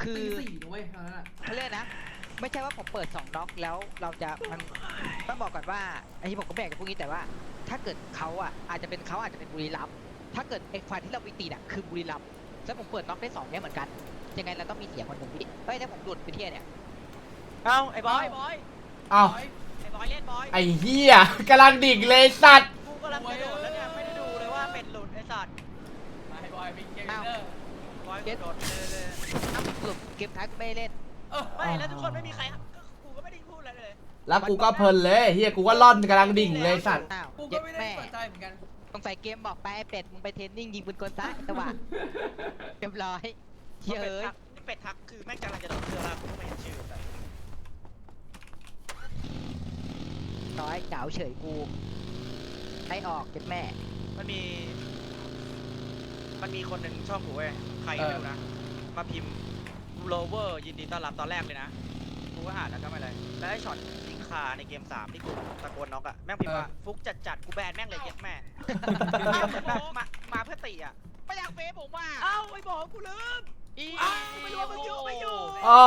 คือ4ด้วยเขาเรียกนะไม่ใช่ว่าผมเปิด2น็อกแล้วเราจะมันต้องบอกก่อนว่าไอ้ที่ผมก็แบ่งกับพวกนี้แต่ว่าถ้าเกิดเขาอ่ะอาจจะเป็นบุรีรัมย์ถ้าเกิดไอ้ฝ่ายที่เราไปตีอ่ะคือบุรีรัมย์แล้วผมเปิดน็อกได้2เนี่ยเหมือนกันยังไงเราต้องมีเสียคนหนึ่งพี่เฮ้ยถ้าผมหลุดไปเที่ยเนี่ยเอ้าไอ้บอยเอ้าไอ้บอยเล่นบอยไอ้เหี้ยกำลังดิ่งเลยสัตว์กูกำลังกระโดดแล้วเนี่ยไม่ได้ดูเลยว่าเป็นหลุดไอ้สัตว์ไอ้บอยมีเกมเนอร์บอยกระโดดเลยสรุปเกมท้ายกูไม่เล่นไม่แล้วทุกคนไม่มีใครกูก็ไม่ได้พูดอะไรเลยแล้วกูก็เพลินเลยเฮียกูก็ล่อนกำลังดิ่งเลยสัตว์กูก็ไม่ได้สนใจเหมือนกันสงสัยเกมบอกไปไอ้เป็ดมึงไปเทรนนิ่งยิงปืนกลซะจังหวะเรียบร้อยเฮ้ยเป็ดทักคือแม่งกำลังจะโดดเรือแล้วกูไม่เห็นชื่อแต่น้อยเก๋าเฉยกูให้ออกเจ็ดแม่มันมีคนหนึ่งช่องกูเว้ยใครไม่รู้นะมาพิมพ์โรเวอร์ยินดีต้อนรับตอนแรกเลยนะกูก็อ่านแล้วก็ไม่เลยแล้วไอ้ช็อตยิงคาในเกม3ที่กูตะโกนน็อกอะแม่งพิมพ์ว่าฟุกจัดกูแบนแม่งเลยเก็บแม่มาเพื่อตีอะไม่อยากเฟซผมว่าเอ้าไอ้บอกกูลืมไม่รู้ว่ามันอยู่อ๋อ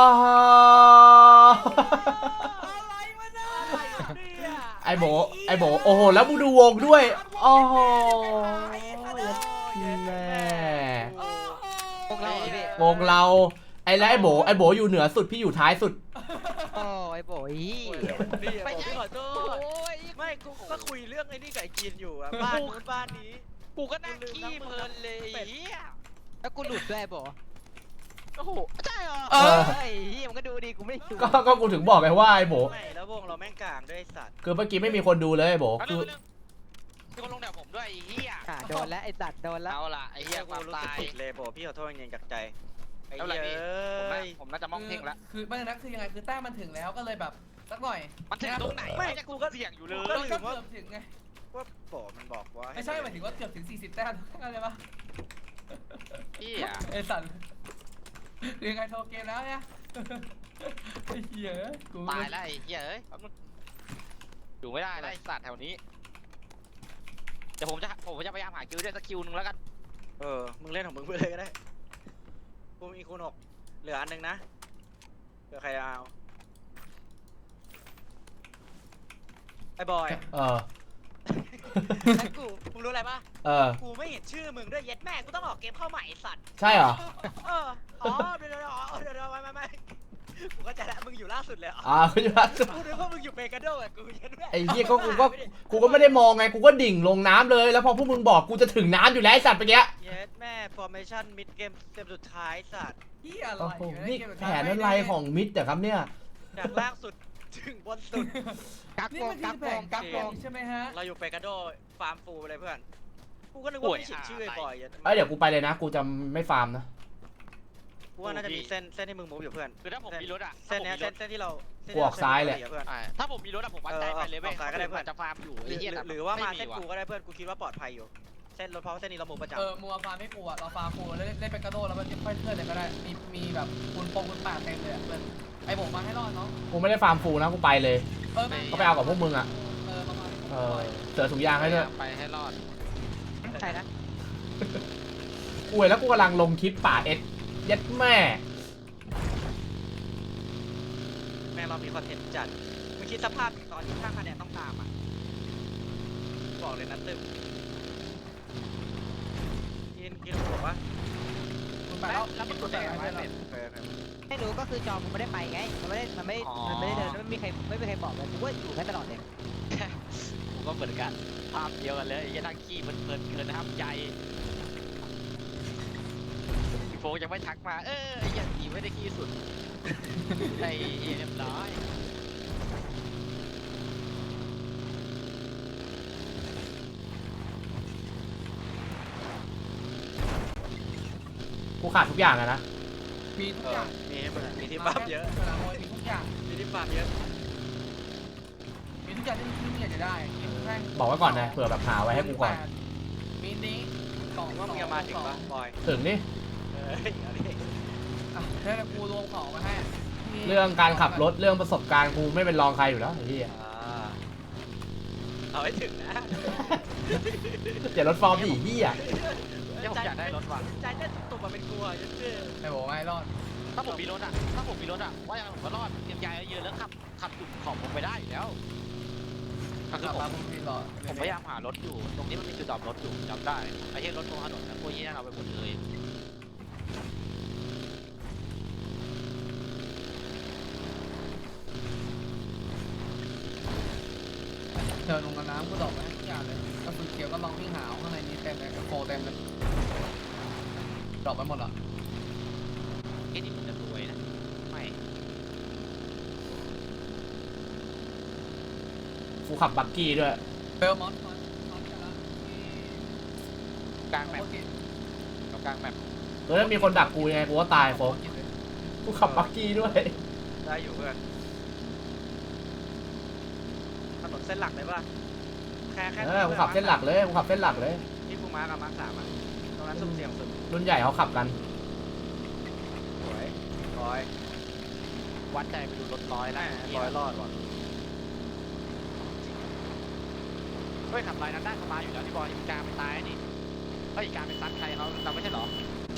อะไรวะเนี่ยไอ้โบโอ้โหแล้วมึงดูวงด้วยโอ้โหแม่วงเราไอ้แล้วไอ้โบอยู่เหนือสุดพี่อยู่ท้ายสุดโอ้ไอ้โบไม่ใช่ขอโทษไม่กูก็คุยเรื่องไอ้นี่กับไอ้กินอยู่อะบ้านนู้นบ้านนี้กูก็นั่งขี้เพลินเลยแล้วกูหลุดด้วยโบโอ้โหใช่เหรอไอ้เหี้ยมันก็ดูดีกูไม่ดูก็กูถึงบอกไงว่าไอ้โบไม่แล้ววงเราแม่งกลางด้วยสัตว์คือเมื่อกี้ไม่มีคนดูเลยไอ้โบคือคนลงแถวผมด้วยไอ้เหี้ยโดนแล้วไอ้สัตว์โดนแล้วเอาล่ะไอ้เหี้ยความตายเลยโบพี่ขอโทษจริงๆจากใจไอ้เหี้ยผมน่าจะมองเพ่งแล้วคือไม่นะคือยังไงคือแต้มมันถึงแล้วก็เลยแบบสักหน่อยมันถึงตรงไหนไม่กูก็เสี่ยงอยู่เลยก็เกือบถึงไงว่าโบมันบอกว่าไม่ใช่หมายถึงว่าเกือบถึง40แต้มอะไรปะเหี้ยไอ้สัตว์ยังไงโทรเกมแล้วเนี่ยไอ้เหี้ยตายแล้วไอ้เหี้ยเอ้ยอยู่ไม่ได้เลยสัตว์แถวนี้เดี๋ยวผมจะพยายามหาคิวได้สักคิวนึงแล้วกันมึงเล่นของมึงไปเลยก็ได้กูมีคูณ6เหลืออันนึงนะเหลือใครเอาไอ้บอยกูมึงรู้อะไรปะกูไม่เห็นชื่อมึงด้วยเย็ดแม่กูต้องออกเกมเข้าใหม่สัตว์ใช่เหรออ๋อเดี๋ยวไม่กูก็จะละมึงอยู่ล่าสุดเลยกูอยู่ล่าสุดกูนึกว่ามึงอยู่เปกาโดอ่ะกูเย็ดแม่ไอ้เหี้ยกูก็ไม่ได้มองไงกูก็ดิ่งลงน้ำเลยแล้วพอพวกมึงบอกกูจะถึงน้ำอยู่แล้วไอ้สัตว์เมื่อกี้เย็ดแม่ formation mid game เกมสุดท้ายสัตว์ที่อะไรนี่แผนอะไรของมิดแต่ครับเนี่ยจากล่างสุดถึงบนสุดกักวงใช่ไหมฮะเราอยู่เปกาโดฟาร์มฟูเลยเพื่อนกูก็นึกว่าไม่เขียนชื่อบ่อยเดี๋ยวกูไปเลยนะกูจะไม่ฟาร์มนะกูว่าน่าจะมีเส้นที่มึงมูฟอยู่เพื่อนคือถ้าผมมีรถอ่ะเส้นที่เรากูออกซ้ายเลยถ้าผมมีรถอะผมวัดใจไปเลยเว้ยก็ได้เพื่อนจะฟาร์มอยู่หรือว่ามาเส้นกูก็ได้เพื่อนกูคิดว่าปลอดภัยอยู่เส้นรถเพราะเส้นนี้เรามูฟประจำมัวฟาร์มไม่กูอ่ะเราฟาร์มกูเล่นเป็นกระโดดแล้วมันค่อยเลื่อนเลยก็ได้มีแบบคุณป่าเต็มเลยเพื่อนไอ้ผมมาให้รอดเนาะกูไม่ได้ฟาร์มฟูนะกูไปเลยก็ไปเอากับพวกมึงอ่ะเสือถุงยางให้ด้วยไปให้รอดใช่นะกูแล้วกูกำลังลงคลิปป่าเอ็ดยัดแม่เรามีคอนเทนต์จัดมึงคิดสภาพตอนที่ข้างคะแนนต้องตามอ่ะบอกเลยนะตึ้มกินบอกว่าไปแล้วมันกดอะไรไม่รู้ก็คือจอมึงไม่ได้ไปไงมันไม่ได้เดินไม่มีใครบอกเลยกูว่าอยู่แค่ตลอดเลยผมก็เหมือนกันภาพเดียวกันเลยยันทักขี้เพลินเกินนะครับใจโฟยังไม่ทักมายังดีไม่ได้ขี้สุดไอ้เรียบร้อยกูขาดทุกอย่างนะมีทุกอย่างมีที่ปั๊มเยอะมีทุกอย่างมีที่ปั๊มเยอะมีทุกอย่างที่มึงอยากจะได้บอกไว้ก่อนนะเผื่อแบบหาไว้ให้กูก่อนมีนี้ว่ามึงจะมาถึงปะบอยถึงนี่แล้วกูรวมของมาให้เรื่องการขับรถเรื่องประสบการณ์กูไม่เป็นรองใครอยู่แล้วไอ้ที่เอาให้ถึงนะอย่ารถฟอร์มดิพี่ผมอยากได้รถว่ะใจเต้นตุ่มมาเป็นกลัวยันเชื่อไอ้บอกไม่รอดถ้าผมมีรถอะว่ายังไงผมก็รอดเตรียมยาเยอะๆแล้วขับจุดของผมไปได้อยู่แล้วคือผมพยายามหารถอยู่ตรงนี้มันมีจุดดรอปรถอยู่จำได้ไอ้เหี้ยรถตรงถนนนะพวกนี้นั่นเอาไปหมดเลยเดินลงกับน้ำก็ดอกไปทุกอย่างเลยกระสุนเขียวก็ลองวิ่งหาวข้างในนี้เต็มเลยโฟเต็มเลยดอกไปหมดเหรอไอ้นี่ผมจะรวยนะไม่กูขับบักกี้ด้วยเบลมอนกันละกลางแมปกลางแมปแล้วถ้ามีคนดักกูยังไงกูก็ตายโฟกกูขับบักกี้ด้วยได้อยู่เพื่อนถนนเส้นหลักเลยป่ะแค่กูขับเส้นหลักเลยกูขับเส้นหลักเลยที่กูมาร์กับมาร์ค3อ่ะตรงนั้นสุ่มเสี่ยงสุดรุ่นใหญ่เขาขับกันสวยร้อยวัดใจไปดูรถร้อยนะร้อยรอดว่ะเฮ้ยขับไรนั้นได้เข้ามาอยู่แล้วที่บอยอีกาไปตายนี่เฮ้ยอีกาไปซัดใครเขาเราไม่ใช่หรอ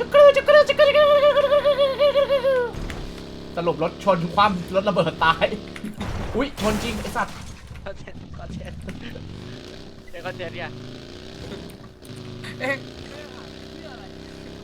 สรุปรถชนคว่ำรถระเบิดตาย อุ้ยชนจริงไอสัตว์คอนเทนต์เดี๋ยวคอนเทนต์เนี่ยเอ๊ะไม่ได้หาเพื่ออะไร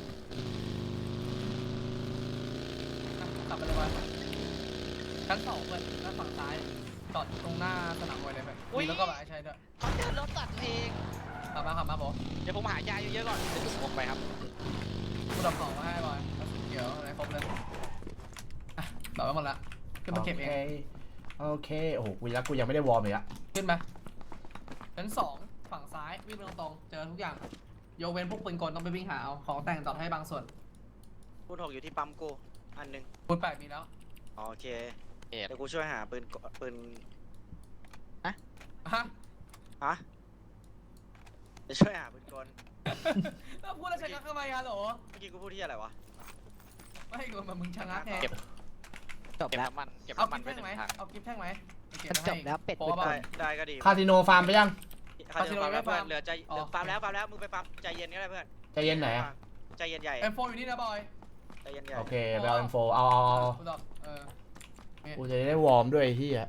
ขับไปเลยวะชั้น2เพื่อนด้านฝั่งซ้ายจอดตรงหน้าสนามมวยเลยเพื่อนมีแล้วก็แบบใช้ด้วยเขาเดินรถตัดตัวเองขับมาบอกเดี๋ยวผมหายาเยอะๆก่อนจะจุดผมไปครับกูดับของมาให้บอยกระสุนเขียวอะไรครบเลยอ่ะดอกไปหมดละขึ้นมาเก็บเองโอเคโอ้โหกูยักกูยังไม่ได้วอร์มเลยอะขึ้นไหมชั้น2ฝั่งซ้ายวิ่งไปตรงๆเจอทุกอย่างยกเว้นพวกปืนกลต้องไปวิ่งหาเอาของแต่งต่อให้บางส่วนคูณ6อยู่ที่ปั๊มกูอันหนึงปืน8มีแล้วโอเคเอ็ดเดี๋ยวกูช่วยหาปืนฮะฮะจะช่วยหาปืนกลแล้วพูดแล้วชะงักทำไมอะโหลเมื่อกี้กูพูดที่อะไรวะไม่กูมันมึงชะงักไงจบเก็บแล้วน้ำมันเก็บเอาน้ำมักินฟไว้ต์หแท่งไหมนึ่งถังเอากิฟต์แท่งไหมเก็บมันไว้จให้บแล้วเป็ดโป๊ะปืนเปล่าได้ก็ดีคาสิโนฟาร์มไปยังคาสิโนคาสิโนไม่เพื่อนฟาร์มเหลือใจอ๋อฟาร์มแล้วมึงไปฟาร์มใจเย็นก็ได้เพื่อนใจเย็นไหนอะใจเย็นใหญ่ M4 อยู่นี่นะบอยใจเย็นใหญ่โอเคไปเอาอินโฟเอากูตอบกูจะได้วอร์มด้วยไอ้เฮีย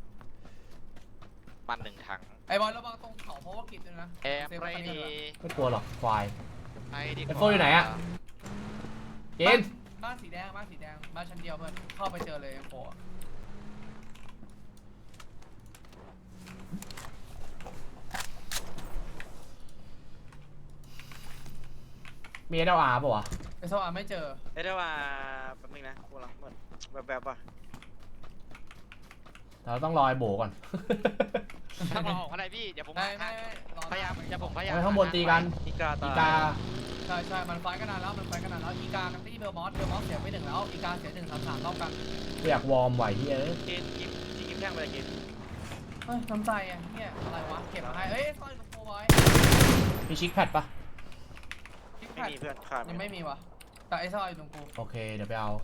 มันหนึ่งถังไอ้บอยระวังตรงเขาเพราะว่ากิจด้วยนะแอร์ไรดีไม่กลัวหรอกควายไอ้ดีไอ้โฟอยู่ไหนอะ เย็นบ้านสีแดงบ้านชั้นเดียวเพื่อนเข้าไปเจอเลย M4 มีเอลอาร์ป่ะวะไอ้โซอาไม่เจอเอ้ยได้ว่าแป๊บนึงนะกูกำลังเหมือนแบบป่ะเราต้องรอไอ้โบก่อนถ้ารอของอะไรพี่เดี๋ยวผมไม่รอพยายามเดี๋ยวผมพยายามเฮ้ยข้างบนตีกันอีกาอีตายกาใช่มันไฟกันนานแล้วอีกากันที่เบลมอสเสียไป1แล้วอีกาเสีย1-3รอบกันกูอยากวอร์มไหวเฮียกินแท่งไปเลยกินเฮ้ยน้ำใจอ่ะเนี่ยอะไรวะเก็บมาให้เฮ้ยซอยโฟบอยมีชิคแพดปะไม่มีเพื่อนขาดยังไม่มีวะแต่ไอ้ซอยอยู่ตรงกูโอเคเดี๋ยวไปเอา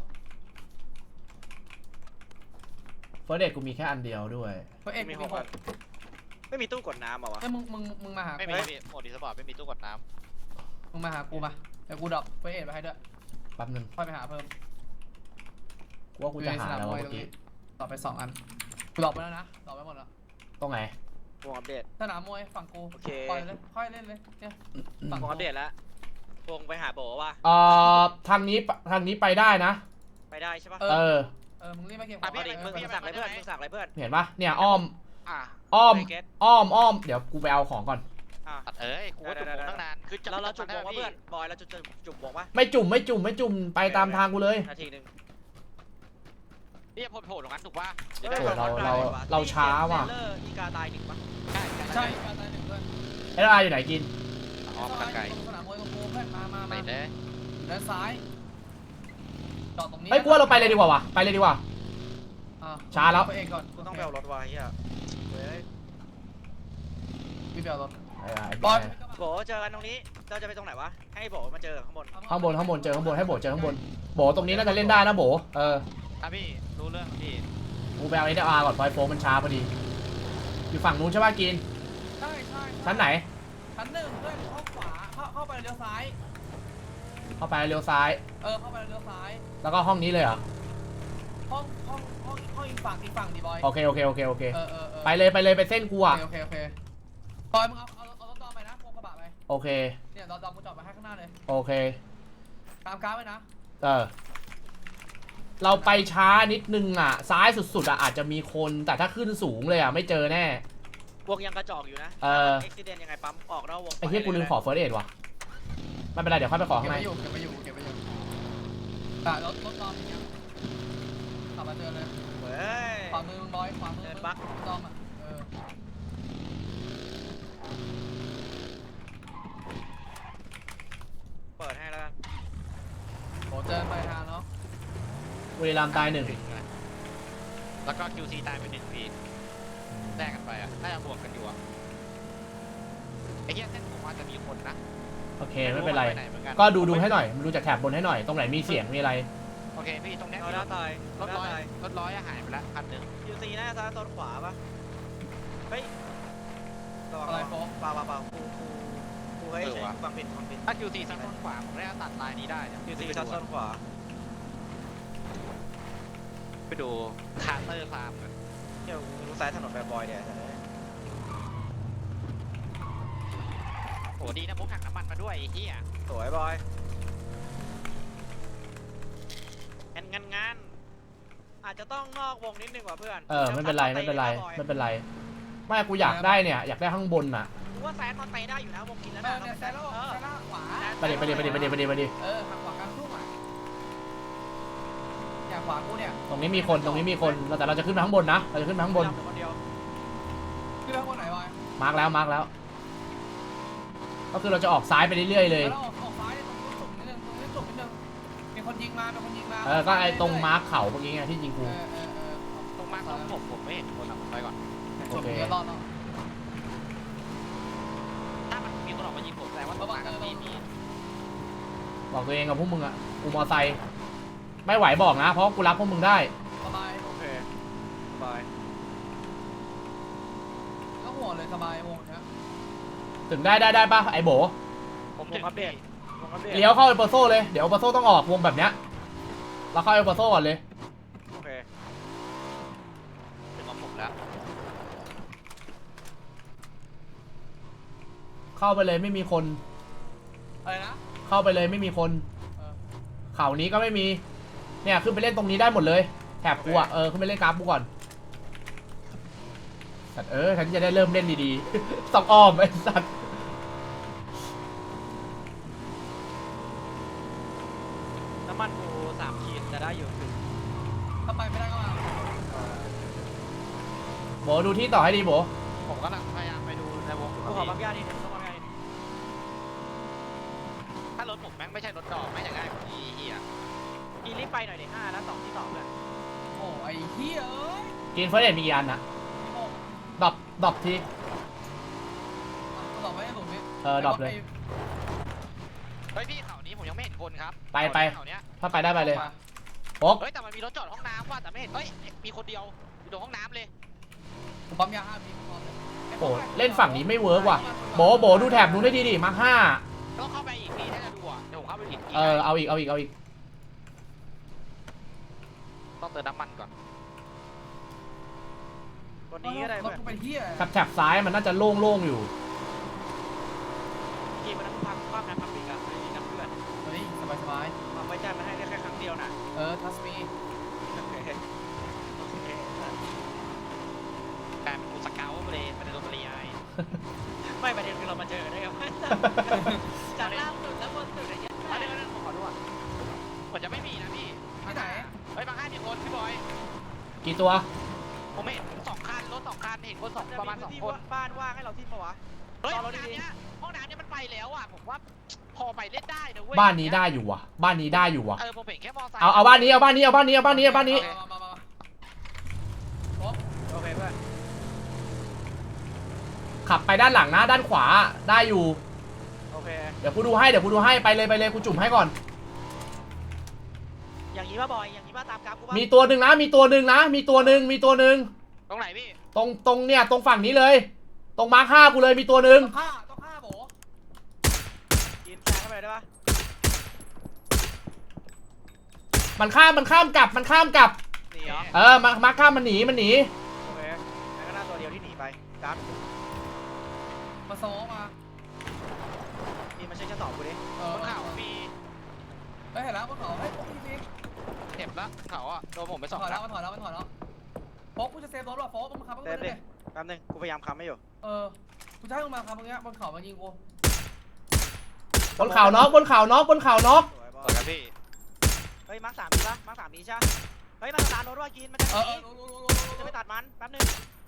เฟอร์เดทกูมีแค่อันเดียวด้วยเฮ้ยเอ็กมีมี 6 6 อันไม่มีตู้กดน้ำเหรอวะเฮ้ยมึงมาหาไม่กูมีพี่โหมดดีสปอร์ตไม่มีตู้กดน้มึงมาหากูมาเดี๋ยวกูดรอปเฟเอ็ดไปให้ด้วยแป๊บนึงค่อยไปหาเพิ่มกูว่ากูจะหาแล้ววะเมื่อกี้ต่อไป2อันกูดรอปไปแล้วนะดรอปไปหมดแล้วตรงไหนวงอัปเดตสนามมวยฝั่งกูโอเคปล่อยเลยค่อยเล่นเลยเนี่ยฝั่งวงอัปเดตแล้ววงไปหาโบว่ะทางนี้ไปได้นะไปได้ใช่ปะเออมึงรีบมาเก็บเอาดิมึงสั่งอะไรเพื่อนมึงสั่งอะไรเพื่อนเห็นปะเนี่ยอ้อมำอ่ะอ้อมไเก็ตอ้อมเดี๋ยวกูไปเอาของก่อนอ่ะตัดเอ้ยกูว่าจุดผมตั้งนานคือจะเราจุ่มวงได้วะเพื่อนบอยเราจุ่มวงวะไม่จุ่มไปตามทางกูเลยนาทีนึงพี่จะโผล่ตรงนั้นถูกป่ะโอ้โหเราช้าว่ะอีกาตาย1ปะใช่การตาย1เพื่อนเอลอาร์อยู่ไหนกินอ๋อมาไกลสนามมวยตรงกูเพื่อนมาไปเลยด้านซ้ายจอดตรงนี้เฮ้ยกูว่าเราไปเลยดีกว่าวะไปเลยดีกว่า ช้าแล้วไปเองก่อนกูต้องไปเอารถวะเฮียเฮ้ยพี่เบลรถไอ้บอลโบเจอกันตรงนี้เราจะไปตรงไหนวะให้โบมาเจอข้างบนข้างบนเจอข้างบนให้โบเจอข้างบนโบตรงนี้น่าจะเล่นได้นะโบครับพี่รู้เรื่องพี่กูไปเอาเอลอาร์ก่อนไฟโฟมันช้าพอดีอยู่ฝั่งนู้นใช่ป่ะกินใช่ชั้นไหนชั้น1เพื่อนเข้าขวาเข้าไปเลี้ยวซ้ายเข้าไปเลี้ยวซ้ายเข้าไปเลี้ยวซ้ายแล้วก็ห้องนี้เลยเหรอห้องอีกฝั่งดีบอยโอเคโอเคโอเคโอเคเออไปเลยไปเลยไปเส้นกูอ่ะโอเคบอยมึงเอารถดอมไปนะพวงกระบะไปโอเคเนี่ยดอมกูจอดไปให้ข้างหน้าเลยโอเคตามกราฟไว้นะเราไปช้านิดนึงอ่ะ ซ้ายสุดๆอ่ะอาจจะมีคนแต่ถ้าขึ้นสูงเลยอ่ะไม่เจอแน่วงยังกระจอกอยู่นะเออเอ็กซิเดนยังไงปั๊มออกนอกวงไอ้เหี้ยกูลืมขอเฟิร์สเอดว่ะไม่เป็นไรเดี๋ยวค่อยไปขอเก็ข้าบงในไว้อยู่รถดอมอย่างเงี้ยขับมาเจอเลยเฮ้ยขวามือมึงบอยขวามือเดินบักดอมอ่ะเปิดให้แล้วกันโหเจอไปทางเนาะบุรีรัมย์ตายหนึ่งแล้วก็ QC ตายไป1 พี่แลกกันไปอ่ะน่าจะบวกกันอยู่อ่ะไอ้เหี้ยเส้นผมอาจจะมีคนนะโอเคไม่เป็นไรหหมือนนก็ดูให้หน่อยดูจากแถบบนให้หน่อยตรงไหนมีเสียงมีอะไรโอเคพี่ตรงเนี้ยเอามีหน้าตายรถร้อยตายรถร้อยอะหายไปละคันหนึ่งยูซีหน้าซ้ายโซนขวาปะเฮ้ยระวังอะไรโฟกเปล่ากูให้ใช้ฟังผิดถ้า QC ซัดต้นขวาผมน่าจะตัดลายนี้ได้เนี่ยยูซีซัดโซนขวาไปดูคาร์เตอร์ฟาร์มกันเดี๋ยวดูซ้ายถนนแบบบอยเนี่ยโอ้ดีนะพกถังน้ำมันมาด้วยไอ้เหี้ยสวยบอยงานอาจจะต้องนอกวงนิดนึงว่ะเพื่อนไม่เป็นไรไม่เป็นไรไม่เป็นไรไม่กูอยากได้เนี่ยอยากได้ข้างบนน่ะกูว่าแซนมันไปได้อยู่นะวงกินแล้วเอนะอเนี่ยแซนแล้วขวาไปดิไปดิไปดิไปดิไปดิไปดิหักขวากลางทุ่งอ่ะอย่างขวากูเนี่ยตรงนี้มีคนตรงนี้มีคนแต่เราจะขึ้นไปข้างบนนะเราจะขึ้นไปข้างบนคนเดียวขึ้นไปข้างบนไหนบอยมาร์กแล้วก็คือเราจะออกซ้ายไปเรื่อยๆเลยแล้วออกซ้ายตรงนี้จุดนิดนึงมีคนยิงมาก็ไอ้ตรงมาร์กเขาเมื่อกี้ไงที่ยิงกูตรงมาร์คของผมไม่เห็นคนอ่ะผมไปก่อนโอเคเดี๋ยวรอดเนาะถ้ามันมีคนออกมายิงผมแสดงว่าตรงมาร์คมีบอกตัวเองกับพวกมึงอ่ะกูมอไซค์ไม่ไหวบอกนะเพราะกูรับพวกมึงได้สบายโอเคบอยก็ห่วงเลยสบายวงเนี้ยถึงได้ป่ะไอ้โบผมถึงพี่เลี้ยวเข้าเอเปอร์โซ่เลยเดี๋ยวเอเปอร์โซ่ต้องออกวงแบบเนี้ยเราเข้าเอเปอร์โซ่ก่อนเลยโอเคถึงของผมแล้วเข้าไปเลยไม่มีคนอะไรนะเข้าไปเลยไม่มีคนเขานี้ก็ไม่มีเนี่ยขึ้นไปเล่นตรงนี้ได้หมดเลยแถบกูอ่ะขึ้นไปเล่นกราฟกูก่อนสัตว์ฉันจะได้เริ่มเล่นดีๆ ต้องอ้อมไอ้สัตว์น้ำมันกู3 ขีดจะได้อยู่ถึงถ้าไปไม่ได้ก็มาโบดูที่ต่อให้ดีโบผมกำลังพยายามไปดูในวงกูขอปั๊มยานิดนึงต้องปั๊มยานิดนึงถ้ารถผมแม่งไม่ใช่รถดอกไม่อย่างง่ายกว่านี้เหี้ยอีรีบไปหน่อยดิ5แล้ว2ที่2เพื่อนโอ้ไอ้เหี้ยเอ้ยกินเฟิร์สเอ็ดมีกี่อันนะดรอปทีตอบไม่ได้หลุมนี้ดรอปเลยเฮ้ยพี่เขานี้ผมยังไม่เห็นคนครับไปเขาเนี้ยถ้าไปได้ไปเลยโป๊กเฮ้ยแต่มันมีรถจอดห้องน้ำว่ะแต่ไม่เห็นเฮ้ยมีคนเดียวอยู่ตรงห้องน้ำเลยผมปั๊มยา5 ปีก่อนเลยโอ้เล่นฝั่งนี้ไม่เวิร์กว่ะโบดูแถบนู้นได้ดีมาห้าต้องเข้าไปอีกพี่ถ้าจะดูอ่ะเดี๋ยวผมเข้าไปอีกเอาอีกต้องเติมน้ำมันก่อนคนนี้ก็ได้รถเพื่อนกูเป็นเหี้ยแถบซ้ายมันน่าจะโล่งๆอยู่ทีมันต้องพักความนะพักปีกอะไม่มีน้ำเพื่อนเฮ้ยสบายความไว้ใจมันให้ได้แค่ครั้งเดียวนะทัสมีโอเคโอเคกลายเป็นกูสเกลเลยมันจะโดนเรียไอ้ไม่ประเด็นคือเรามาเจอได้ครับจากล่างสุดแล้วบนสุดอะไรเงี้ยเดี๋ยวผมขอดูอ่ะผมจะไม่มีนะพี่ที่ไหนเฮ้ยบางค่ายมีคนพี่บอยกี่ตัวผมเห็น2 คันรถ2 คันเห็นคน2ประมาณ2 คนบ้านว่างให้เราที่ปะวะเฮ้ยห้องน้ำเนี้ยมันไปแล้วอ่ะผมว่าพอไปเล่นได้นะเว้ยบ้านนี้ได้อยู่ว่ะผมเห็นแค่มอไซค์เอาบ้านนี้มาโอเคเพื่อนขับไปด้านหลังนะด้านขวาได้อยู่โอเคเดี๋ยวกูดูให้ไปเลยกูจุ่มให้ก่อนอย่างนี้ป่ะบอยอย่างนี้ป่ะตามกราฟกูป่ะมีตัวหนึ่งมีตัวหนึ่งตรงไหนพี่ตรงเนี่ยตรงฝั่งนี้เลย ตรงมาร์ค5กูเลยมีตัวหนึ่งต้องฆ่าโบกินแซงเข้าไปได้ป่ะมันข้ามกลับหนีเหรอเออมาข้ามมันหนีโอเคแล้วก็หน้าตัวเดียวที่หนีไปกัดมาซ้อมานี่มันใช่จะตอบกูดิบนเขามีเฮ้ยเห็นแล้วบนเขาเฮ้ยพี่พี่เจ็บละเขาอ่ะโดนผมไปถ 2 อยนัแล้วดมันถอยแล้วโฟกกูจะเซฟรถว่ะโฟกมึงขับเซฟดิแป๊บนึงกูพยายามค้ำไม่อยู่กูจะให้มึงมาครับมึงเนี้ยบนเขามายิงกูบนเขาน็อกสวยบสอวยลครับพี่เฮ้ยมาร์ค 3มีปะมาร์ค 3มีใช่เฮ้ยมันสตาร์ทรถว่ากินมันจะหนีรู้จะไปตัดมันแป๊บนึง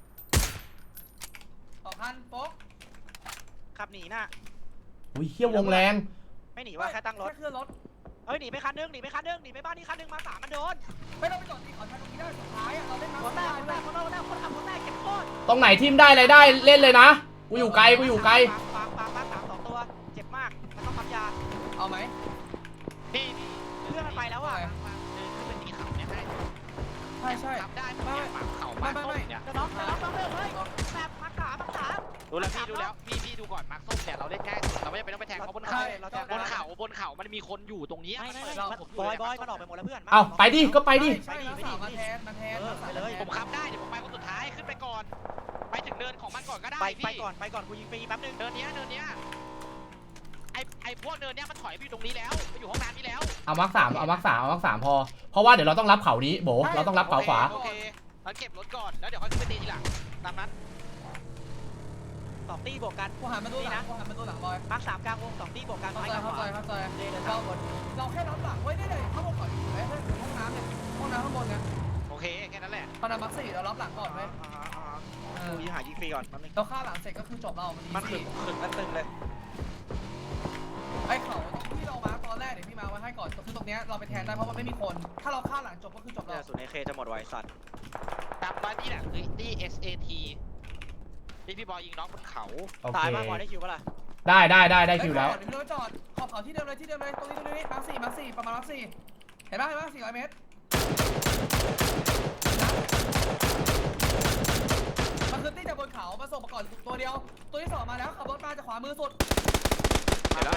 2,000โฟกขับหนีน่ะอุ้ยเฮียวงแรงไม่หนีว่าแค่ตั้งรถแค่เคลื่อนรถเฮ้ยหนีไปคันนึงหนีไปบ้านนี้คันนึงมาร์ค 3มันโดนไม่ต้องไปจอดตีเขาชันตรงนี้ได้สุดท้ายอ่ะเราเล่นน้ำคนแรกคนขับคนแรกเก็บโคตรตรงไหนทีมได้อะไรได้เล่นเลยนะ กูอยู่ไกลปางมาร์ค 3 2 ตัวเจ็บมากมันต้องปั๊มยาเอาไหมพี่เพื่อนมันไปแล้วอ่ะคือเป็นตีเขาเนี่ยได้ใช่ขับได้ผมเนี่ยเขามาต้นเนี่ยจะน็อกเลยเฮ้ยแบบมาร์ค 3 ดูแล้วพี่ดูก่อนมาร์คส้มเนี่ยเราเล่นง่ายสุดเราไม่จำเป็นต้องไปแทงเขาบนเขาบนเขามันมีคนอยู่ตรงนี้ไม่บอยมันออกไปหมดแล้วเพื่อนเอาไปดิ ก็ไปดิใช่สามมาแทนเลยผมขับได้เดี๋ยวผมไปคนสุดท้ายขึ้นไปก่อน ไปถึงเนินของมันก่อนก็ได้ไปพี่ก่อนกูยิงฟรีแป๊บนึงเนินเนี้ยไอพวกเนินเนี้ยมันถอยไปอยู่ตรงนี้แล้วไปอยู่ห้องน้ำนี้แล้วเอามาร์คสามพอ เพราะว่าเดี๋ยวเราต้องรับเขานี้โบเราต้องรับเขาขวาโอเคเราเก็บรถก่อนแล้วเดี๋ยวค่อยขึ้นไปตีทีหลังตามนั้น 2 ตีบวกกันกูหันมาดูหลังบอยมาร์ค 3 กลางวง 2 ตีบวกกันเข้าซ้ายใจกับขเข้าวาใจเดินเราแค่รับหลังไว้ได้เลยข้างบนก่อนเฮ้ยห้องน้ำเนี่ยห้องน้ำข้างบนเนี่ยโอเคแค่นั้นแหละตอนนั้นมักสี่เรารับหลังก่อนไหมกูยิงหายิงฟรีก่อนแป๊บนึงเราฆ่าหลังเสร็จก็คือจบเรามันมันขึงมันตึงเลยไอ้เขาที่เรามาตอนแรกเดี๋ยวพี่มาไว้ให้ก่อนคือตรงเนี้ยเราไปแทนได้เพราะมันไม่มีคน ถ้าเราฆ่าหลังจบก็คือจบเนี่ยเราศูนย์ AK จะหมดไวสัตว์ตามบ้านนี่แหละคือที่ SAT พี่บอยยิงน้องบนเขาโอตาเคยมากกว่าได้คิวปะล่ะได้คิวแล้วเดี๋ยวเราจอดขอบเขาที่เดิมเลยตรงนี้มาร์คสี่ประมาณมาร์คสี่เห็นป่ะ400 เมตรมันคือที่จากบนเขามาส่งมาก่อนตัวเดียวตัวที่2มาแล้วขับรถมาจากขวามือสุดเดี๋ยว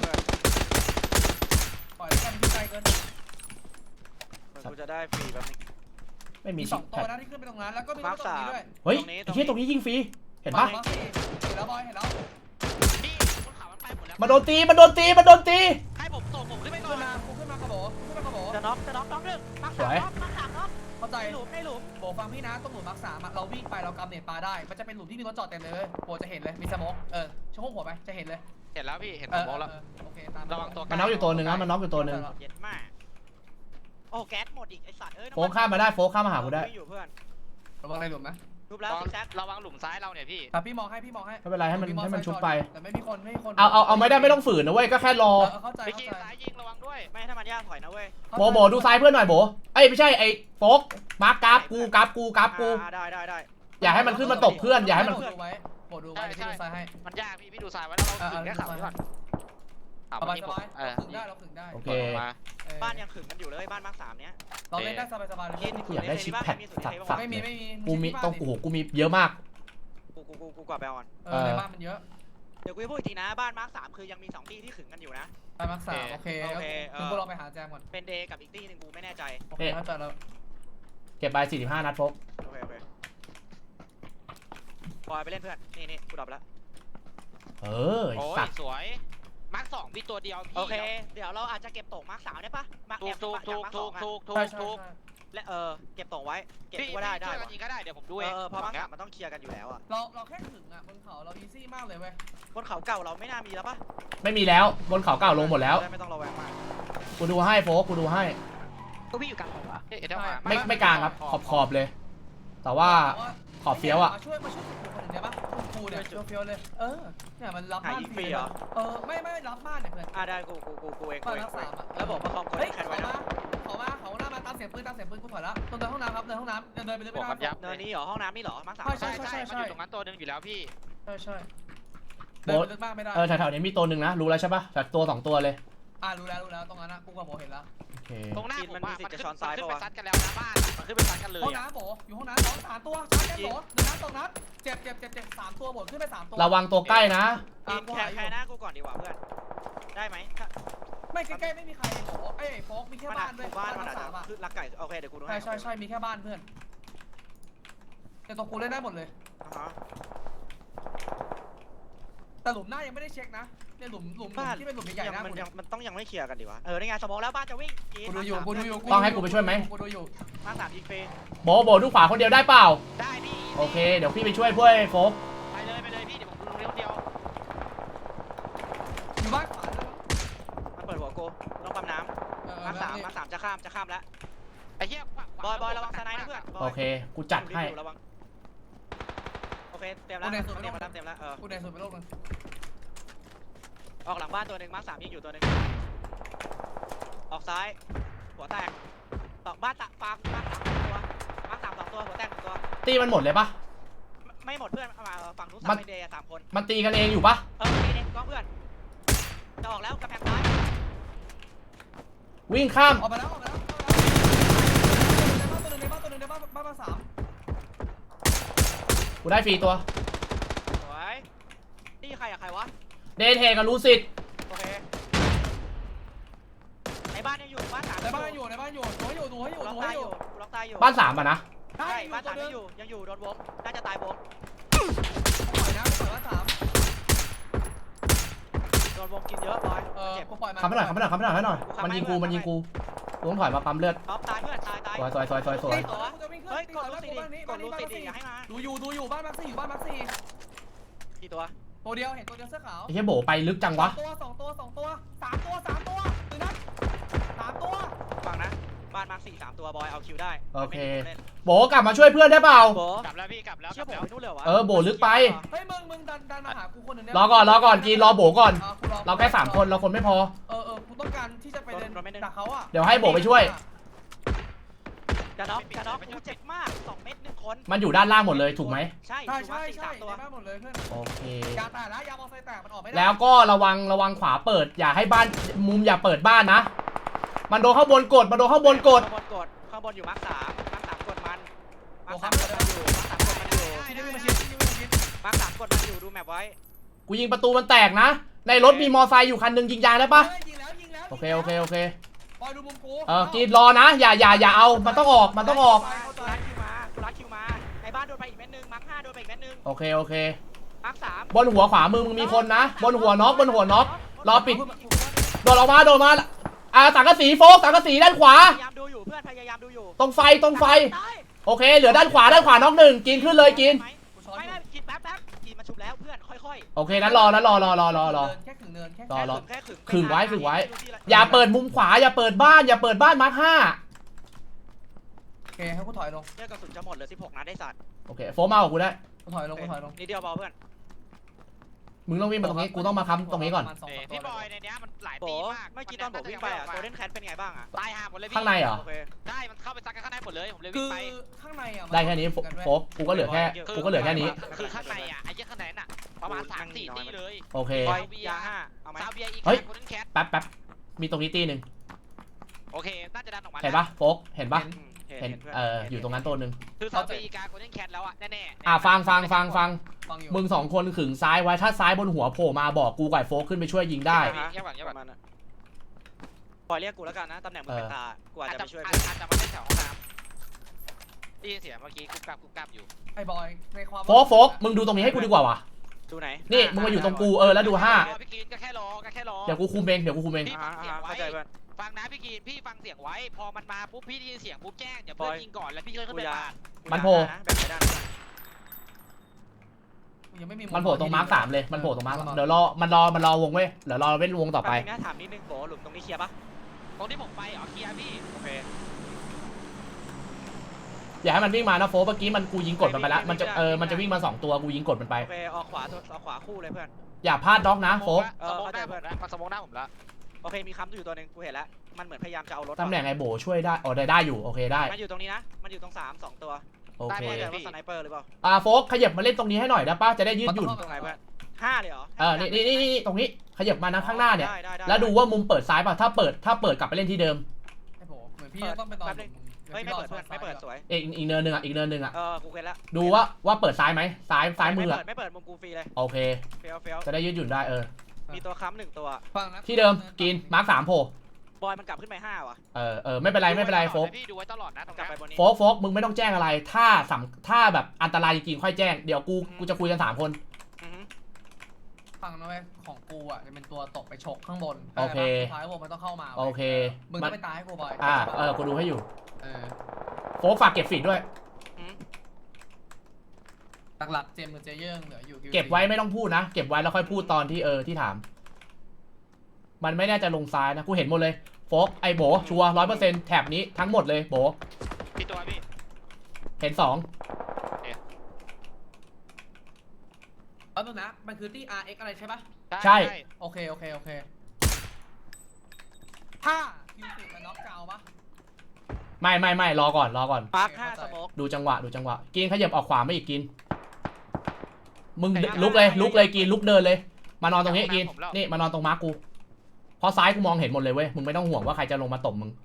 ปล่อยแล้วกันที่ไกลเกินกูจะได้ฟรีแป๊บนึงไม่มีมี2ตัวนะที่ขึ้นไปตรงนั้นแล้วก็มีตัวตรงนี้ด้วยเฮ้ยไอ้เฮียตรงนี้ยิงฟรี เห็นปะมาร์คสี่เห็นแล้วบอยเห็นแล้วพี่บนเขามันไปหมดแล้วมาโดนตีให้ผมส่งผมขึ้นไปก่อขึ้นนมากระโบกระโบจะน็อกน้องนึงมาร์ค 3 น็อกมาร์ค 3 น็อกเข้าใจในหลุมโบฟังพี่นะตรงหลุมมาร์ค3เราวิ่งไปเรากำเน็ตปลาได้มันจะเป็นหลุมที่มีรถจอดเต็มเลยโบจะเห็นเลยมีสโมกช่วงหัวไปจะเห็นเลยเห็นแล้วพี่เห็นผมมองแล้วโอเคตามระวังตัวมันน็อกอยู่ตัวหนึ่งนะมันน็อกอยู่ตัวหนึ่งเย็ดมากโอ้แก๊สหมดอีกไอสัตว์เอ้ยโฟกข้ามมาได้โฟกข้ามมาหากูได้อยู่เพื่อนระวังในหลุมนะรูปแล้วซิกแซกระวังหลุมซ้ายเราเนี่ยพี่พี่มองให้ไม่เป็นไรให้มันชุบไปแต่ไม่มีคนเอาไม่ต้องฝืนนะเว้ย ก็แค่รอเข้าใจไปขี่ซ้ายยิงระวังด้วยไม่ถ้ามันยากถอยนะเว้ยโบดูซ้ายเพื่อนหน่อยโบเอ้ยไม่ใช่ไอ้โฟกมาร์กกราฟกูได้อย่าให้มันขึ้นมาตบเพื่อนอย่าให้มันดูไว้โบดูไว้ที่ดูซ้ายให้มันยากพี่ดูซ้ายไว้แล้วเราถึงแค่เขาก่อนสบายเราขึงได้โอเคมาบ้านยังขึงกันอยู่เลยบ้านมาร์ค 3 เนี้ยเราเล่นได้สบายเลยกินกูอยากได้ชิปแพดสัตว์ไม่มีกูมีต้องโอ้โหกูมีเยอะมากกูกว่าแบลออนในบ้านมันเยอะเดี๋ยวกูจะพูดอีกทีนะบ้านมาร์ค 3 คือยังมี2 ที่ที่ขึงกันอยู่นะไปมาร์ค3โอเคคุณพวกเราไปหาแจมก่อนเป็นเดย์กับอีกที่นึงกูไม่แน่ใจโอเคเข้าใจแล้วเก็บไป45 นัดโฟกโอเคบอยไปเล่นเพื่อนนี่กูดับแล้วเออโอ้ยสัตว์สวยมาร์ค2พี่ตัวเดียวพี่โอเคเดี๋ยวเราอาจจะเก็บตกมาร์ค 3ได้ปะมาร์คถูกและเก็บตกไว้เก็บพี่ว่าได้กันยิงก็ได้เดี๋ยวผมดูเองเพราะมาร์ค 3มันต้องเคลียร์กันอยู่แล้วอ่ะเราแค่ขึงอ่ะบนเขาเราอีซี่มากเลยเว้ยบนเขาเก่าเราไม่น่ามีแล้วปะไม่มีแล้วบนเขาเก่าลงหมดแล้วไม่ต้องระแวงมากกูดูให้โฟกกูดูให้ก็วิ่งอยู่กลางหัวเอ๊ะเดี๋ยวมาไม่กลางครับขอบเลย แต่ว่าขอบเฟี้ยวอ่ะมาช่วยคนหนึ่งได้ปะกูเนี่ยช่วยเฟี้ยวเลยเนี่ยมันรับหาบ้านยิงฟรีเหรอไม่รับบ้านเนี่ยเพื่อนได้กูเองบ้านรักษาแล้วบอกว่าคอมคนเฮ้ยแคนไว้นะเขาหน้ามาตามเสียงปืนกูถอยแล้วตรงเดินห้องน้ำครับเดินห้องน้ำเดินไปเรื่อยบวกกันยับเนินนี้เหรอห้องน้ำนี่เหรอมาร์ค 3 ใช่มันอยู่ตรงนั้นตัวนึงอยู่แล้วพี่ใช่เดินไปลึกมากไม่ได้แถวๆนี้มีตัวหนึ่งนะรู้แล้วใช่ปะแต่ตัว2 ตัวเลยรู้แล้วตรงนั้นนะกูกับโบเห็นแล้วโอเคตรงหน้าผมมันขึ้นไปซัดกันแล้วนะบ้านมันขึ้นไปซัดกันเลยห้องน้ำโบอยู่ห้องน้ำ3 ตัวชาร์จแกนโบ1 นัด2 นัดเจ็บ3 ตัวโบขึ้นไป3 ตัวระวังตัวใกล้นะกินแคร์หน้ากูก่อนดีกว่าเพื่อนได้ไหมไม่ใกล้ๆไม่มีใครไอ้โฟกมีแค่บ้านด้วยบ้านมันอาจสาจะมอ่ะคือลักไก่โอเคเดี๋ยวกูดูให้ใช่มีแค่บ้านเพื่อนแต่ตัวกูเล่นได้หมดเลยอ่าฮะแต่หลุมหน้ายังไม่ได้เช็คนะเนี่ยหลุมที่เป็นหลุมใหญ่ๆนะมันต้องยังไม่เคลียร์กันดีวะนี่ไงสมองแล้วบ้านจะวิ่งกูดูอยู่กูดูอยู่ต้องให้กูไปช่วยไหมกูดูอยู่มา3ยิงเฟย์โบดูขวาคนเดียวได้เปล่าได้พี่โอเคเดี๋ยวพี่ไปช่วยเพื่อโฟกไปเลยพี่เดี๋ยวผมดูเดียวอยู่บ้านขวาด้วยมันเปิดหัวกูต้องปั๊มน้ำมาสามจะข้ามแล้วไอ้เหี้ยบอยระวังสไนด์นะเพื่อนโอเคกูจัดให้ระวังโอเคเตรียมแล้วเตรียมแล้วกูแดนสุดไปโลกนึงออกหลังบ้านตัวหนึ่งมาร์ค3ยิงอยู่ตัวหนึ่งออกซ้ายหัวแตกตอกบ้านตะฟาร์มมาร์ค3ตัวมาร์ค3 2ตัวหัวแตก1ตัวตีมันหมดเลยปะไม่หมดเพื่อนมาฝั่งนู้นมัน 3เดย์3คนมันตีกันเองอยู่ปะนี่เด็กก้องเพื่อนจะออกแล้วกำแพงซ้ายวิ่งข้ามออกมาแล้วตัวหนึ่งในบ้านมาสามกูได้ฟรีตัวสวยนี่ใครอะใครวะเดทเทกับลูซิดโอเคในบ้านยังอยู่บ้าน3 ในบ้านอยู่ดูให้อยู่ล็อกตายอยู่บ้าน3อ่ะนะใช่บ้าน3ยังอยู่โดนวงน่าจะตายวงปล่อยนะปล่อยบ้านสามโดนวงกินเยอะบอยเจ็บกูปล่อยมาขับให้หน่อยให้หน่อยมันยิงกูกูต้องถอยมาปั๊มเลือดท็อปตายเพื่อนตายสวยเฮ้ยกดลูติดดิอย่าให้มาดูอยู่บ้านมักซี่อยู่บ้านมักซี่กี่ตัวตัวเดียวเห็นตัวเดียวเสื้อขาวไอ้เหี้ยโบไปลึกจังวะสองตัวตื่นนะ3ตัวฟังนะบ้านมาร์ค4 3ตัวบอยเอาคิวได้โอเคโบกลับมาช่วยเพื่อนได้เปล่าโบกลับแล้วพี่กลับแล้วเชื่อผมไปนู่นเลยวะโบลึกไปเฮ้ยมึงดันมาหากูคนหนึ่งรอก่อนกินรอโบก่อนเราแค่3คนเราคนไม่พอกูต้องการที่จะไปเดินดักเขาอ่ะเดี๋ยวให้โบไปช่วยจะน็อกกูเจ็บมาก2เม็ด1คนมันอยู่ด้านล่างหมดเลยถูกไหมใช่ใช่ 3ตัวในบ้านหมดเลยเพื่อนโอเคยาแตกนะยามอไซแตกมันออกไม่ได้แล้วก็ระวังขวาเปิดอย่าให้บ้านมุมอย่าเปิดบ้านนะมันโดนข้างบนกดข้างบนอยู่มาร์ค3กดมันมาร์ค3กดมันอยู่มาร์ค3กดมันอยู่ดูแมปไว้กูยิงประตูมันแตกนะในรถมีมอไซค์อยู่คันนึงยิงยางได้ปะยิงแล้วโอเคปล่อยดูมุมกูกินรอนะอย่าเอามันต้องออกกูรัดคิวมาในบ้านโดนไปอีกเม็ดนึงมาร์ค5โดนไปอีกเม็ดนึงโอเคมาร์ค3 บนหัวขวามือมึงมีคนนะบนหัวน็อกรอปิดโดนมาสังกะสีโฟกสังกะสีด้านขวาพยายามดูอยู่เพื่อนพยายามดูอยู่ตรงไฟโอเคเหลือด้านขวาน็อกหนึ่งกินขึ้นเลยกินไม่กินแป๊บกินมาชุบแล้วเพื่อนค่อยโอเคนั้นรอแค่ขึงเนินแค่รอแค่ขึงขึงไว้อย่าเปิดมุมขวาอย่าเปิดบ้านมาร์ค5 โอเคให้กูถอยลงเลือดกระสุนจะหมดเหลือ16นัดได้สัตว์โอเคโฟมากับกูได้กูถอยลงนิดเดียวเบาเพื่อนมึงต้องวิ่งมาตรงนี้กูต้องมาค้ำตรงนี้ก่อนพี่บอยในนี้มันหลายโบปีมากเมื่อกี้ตอนผมวิ่งไปโกลเด้นแคทเป็นไงบ้างตายห่าหมดเลยพี่ข้างในเหรอโอเคได้มันเข้าไปซักกันข้างในหมดเลยผมเลยคืวิ่งอไปข้างในอ่ะได้แค่นี้โฟกกูก็เหลือแค่นี้คือข้างในอ่ะไอ้เหี้ยข้างในน่ะประมาณ3-4ตีเลยโอเคบอยยา5เอาไหมซาเบียอีกเฮ้ยคนนั้นแคทแป๊บมีตรงนี้ตีหนึ่งโอเคน่าจะดันออกมาเห็นปะโฟกเห็นปะเห็นอยู่ตรงนั้นตัวหนึ่งคือซาเบียอีกาคนนั้นแคทแล้วอ่ะแน่ๆฟังฟังอยู่มึง2คนขึงซ้ายไว้ถ้าซ้ายบนหัวโผล่มาบอกกูกับโฟกขึ้นไปช่วยยิงได้เงียบก่อนปล่อยเรียกกูแล้วกันนะตำแหน่งมึงเป็นตากูอาจจะไปช่วยอาจจะมาเล่นแถวห้องน้ำได้ยินเสียงเมื่อกี้กุ๊กกับอยู่ไอ้บอยในความโฟกมึงดูตรงนี้ให้กูดีกว่าวะดูไหนนี่มึงมาอยู่ตรงกูแล้วดู5 พี่กินก็แค่รอเดี๋ยวกูคุมเองเข้าใจเพื่อนฟังนะพี่กินพี่ฟังเสียงไว้พอมันมาปุ๊บพี่ได้ยินเสียงปุ๊บแจ้งเดี๋ยวเพื่อนยิงก่อนแล้วพี่ค่อยขึ้นไปปาดมันโผล่แบบไหนได้ยังไม่มีมันโผล่ตรงมาร์ค3เลยมันโผล่ตรงมาร์คเดี๋ยวมันรอวงเว้ยเดี๋ยวรอเว้นวงต่อไปนะถามนิดนึงโบหลุมตรงนี้เคลียร์ปะตรงที่ผมไปเคลียร์พี่โอเคอย่าให้มันวิ่งมานะโฟกเมื่อกี้มันกูยิงกดมันไปแล้วมันจะวิ่งมา2ตัวกูยิงกดมันไปโอเคออกขวาคู่เลยเพื่อนอย่าพลาดด็อกนะโฟกสมองหน้าผมแล้วมันสมองหน้าผมแล้วโอเคมีค้ำอยู่ตัวนึงกูเห็นแล้วมันเหมือนพยายามจะเอารถตำแหน่งไอโบช่วยได้ได้อยู่โอเคได้มันอยู่ตรงนี้นะมันอยู่ตรง2ตัวโอเคไม่แน่ใจว่าสไนเปอร์หรือเปล่าโฟกขยับมาเล่นตรงนี้ให้หน่อยได้ป่ะจะได้ยืดหยุ่นตรงไหนเพื่อน5เลยเหรอนี่ตรงนี้ขยับมานะข้างหน้าเนี่ยแล้วดูว่ามุมเปิดซ้ายป่ะถ้าเปิดกลับไปเล่นที่เดิมไอ้โผล่เหมือนพี่ต้องไปตอนไม่เปิดเพื่อนไม่เปิดสวยอีกเนินหนึ่งอ่ะกูเห็นแล้วดูว่าเปิดซ้ายไหมซ้ายมือไม่เปิดมุมกูฟรีเลยโอเคเฟี้ยวจะได้ยืดหยุ่นได้มีตัวค้ำ1ตัวฟังนะที่เดิมกินมาร์ค3โผล่บอยมันกลับขึ้นไป5ว่ะไม่เป็นไรไม่เป็นไรโฟกพี่ดูไว้ตลอดนะตรงกลับนี้ไปบนนี้โฟกมึงไม่ต้องแจ้งอะไรถ้าแบบอันตรายจริงๆค่อยแจ้งเดี๋ยวกูจะคุยกัน3คนอือฮึฟังนะเว้ยของกูอ่ะจะเป็นตัวตกไปฉกข้างบนโอเคสุดท้ายพวกมันต้องเข้ามาโอเคมึงต้องไปตายให้กูบอยกูดูให้อยู่เออโฟกฝากเก็บฟีดด้วยอืมหลักๆเจมส์กับเจเยิ่งเหลืออยู่เก็บไว้ไม่ต้องพูดนะเก็บไว้แล้วค่อยพูดตอนที่ที่ถาม มันไม่น่าจะลงซ้ายนะกูเห็นหมดเลยโฟกไอโบชัวร์100%แถบนี้ทั้งหมดเลยโบพี่ตัวพี่เห็น2 เอาตัวนะมันคือที่ RX อะไรใช่ปะใช่โอเคถ้าคิวสิมันน็อกเกาปะไม่รอก่อนมาร์ค5สโมกดูจังหวะกินขยับออกขวาไม่อีกกินมึงลุกเลยกินลุกเดินเลย มานอนตรงนี้กินนี่มานอนตรงมาร์กกูเพราะซ้ายกูมองเห็นหมดเลยเว้ยมึงไม่ต้องห่วงว่าใครจะลงมาตบมึง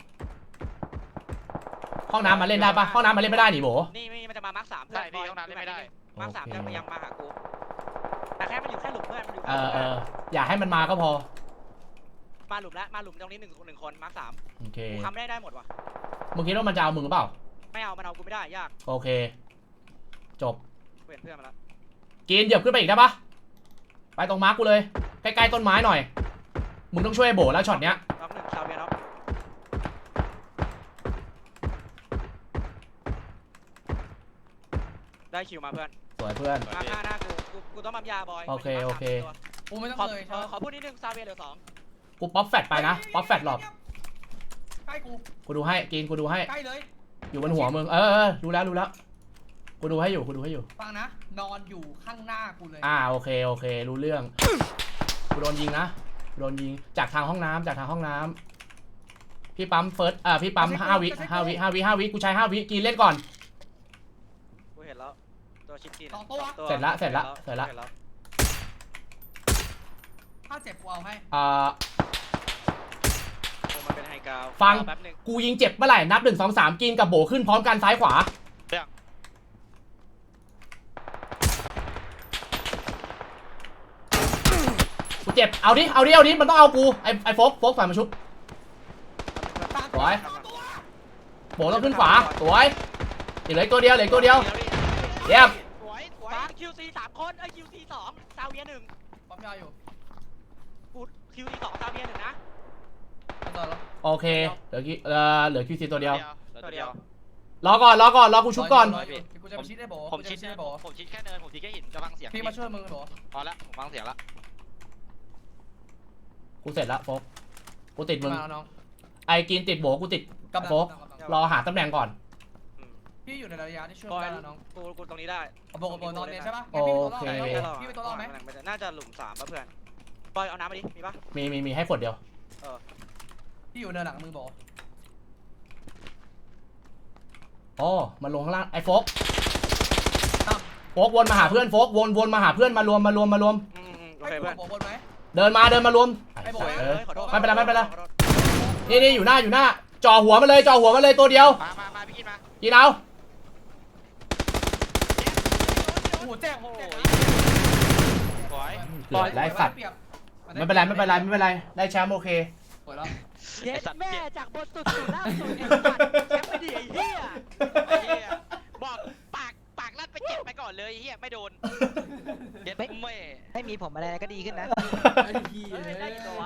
ห้องน้ำมาเล่นได้ปะห้องน้ำมาเล่นไม่ได้หนิโบนี่มันจะมามาร์ค3 ใช่พี่ห้องน้ำเล่นไม่ได้มาร์ค3จะพยายามมาหากูแต่แค่มันอยู่แค่หลุมเพื่อนมันอยู่อย่าให้มันมาก็พอมาหลุมแล้วมาหลุมตรงนี้1 คนมาร์ค3 โอเคกูทำได้หมดว่ะมึงคิดว่ามันจะเอามึงหรือเปล่าไม่เอามันเอากูไม่ได้ยากโอเคจบเปลี่ยนเพื่อนมาแล้วกินเหยียบขึ้นไปอีกได้ปะไปตรงมาร์กกูเลยใกล้ๆต้นไม้หน่อยมึงต้องช่วยโบแล้วช็อตเนี้ยน็อก1ชาวเวียน็อกได้คิวมาเพื่อนสวยเพื่อนมาร์ค5หน้ากูต้องปั๊มยาบอยโอเคมันยู่มาร์คโอเค 3ตัวกูไม่ต้องขอเลยใช่ปะขอพูดนิดนึงซาเวียเหลือ2 กูป๊อปแฟตไปนะป๊อปแฟตหลบใกล้กูกูดูให้กินกูดูให้ใกล้เลยอยู่บนหัวมึงรู้แล้วกูดูให้อยู่ฟังนะนอนอยู่ข้างหน้ากูเลยโอเครู้เรื่องกูโดนยิงนะโดนยิงจากทางห้องน้ำพี่ปั๊มเฟิร์สพี่ปั๊ม5 วิกูใช้5 วิกินเล่นก่อนกูเห็นแล้วตัวชิปจีนเสร็จละถ้าเจ็บกูเอาให้มันเป็นไฮกราวฟังแป๊บนึงกูยิงเจ็บเมื่อไหร่นับ1 2 3กินกับโบขึ้นพร้อมกันซ้ายขวากูเจ็บเอาดิมันต้องเอากูไอ้โฟกฝ่ายมาชุบสวยโบต้องขึ้นขวาสวยเหลือตัวเดียวเยี่ยมฟัง QC 3 คนQC 2ซาเวีย1 ปั๊มยาอยู่กู QC 2ซาเวีย1นะเอาต่อแล้วโอเคเหลือคิวซีตัวเดียวตัวเดียวรอกูชุบก่อนกูจะไปชิดได้โบผมชิดแค่เนินผมชิดแค่หินจะฟังเสียงพี่มาช่วยมึงโบพอละผมฟังเสียงละกูเสร็จละโฟกกูติดมึงมาน้องไอ้กินติดโบกูติดโฟกรอหาตำแหน่งก่อนพี่อยู่ในระยะที่ช่วยบอยได้แล้วน้องกูตรงนี้ได้โบนอนเนี่ยใช่ปะพี่ไปตัวรอดไหมน่าจะหลุม3ป่ะเพื่อนบอยเอาน้ำมาดิมีป่ะมีให้ขวดเดียวพี่อยู่เนินหลังมึงโบมันลงข้างล่างไอ้โฟกวนมาหาเพื่อนโฟกวนมาหาเพื่อนมารวมโอเคเพื่อนโบบนไหมเดินมารวม ไม่เป็นไรนี่อยู่หน้าจ่อหัวมาเลยตัวเดียวมาพี่กินมากินเอาโอ้โหแจ้งโอ้ยสวยเกือบได้สัตว์ไม่เป็นไรได้แชมป์โอเคสวยแล้วเย็ดแม่จากบนสุดสู่ล่างสุดไอ้สัตว์แชมป์ไม่ดีไอ้เหี้ยบอกปากลั่นไปเจ็บไปก่อนเลยเฮียไม่โดนเย็ดไม่ไม่มีผมอะไรก็ดีขึ้นนะไอ้พี่ได้กี่ตัววะ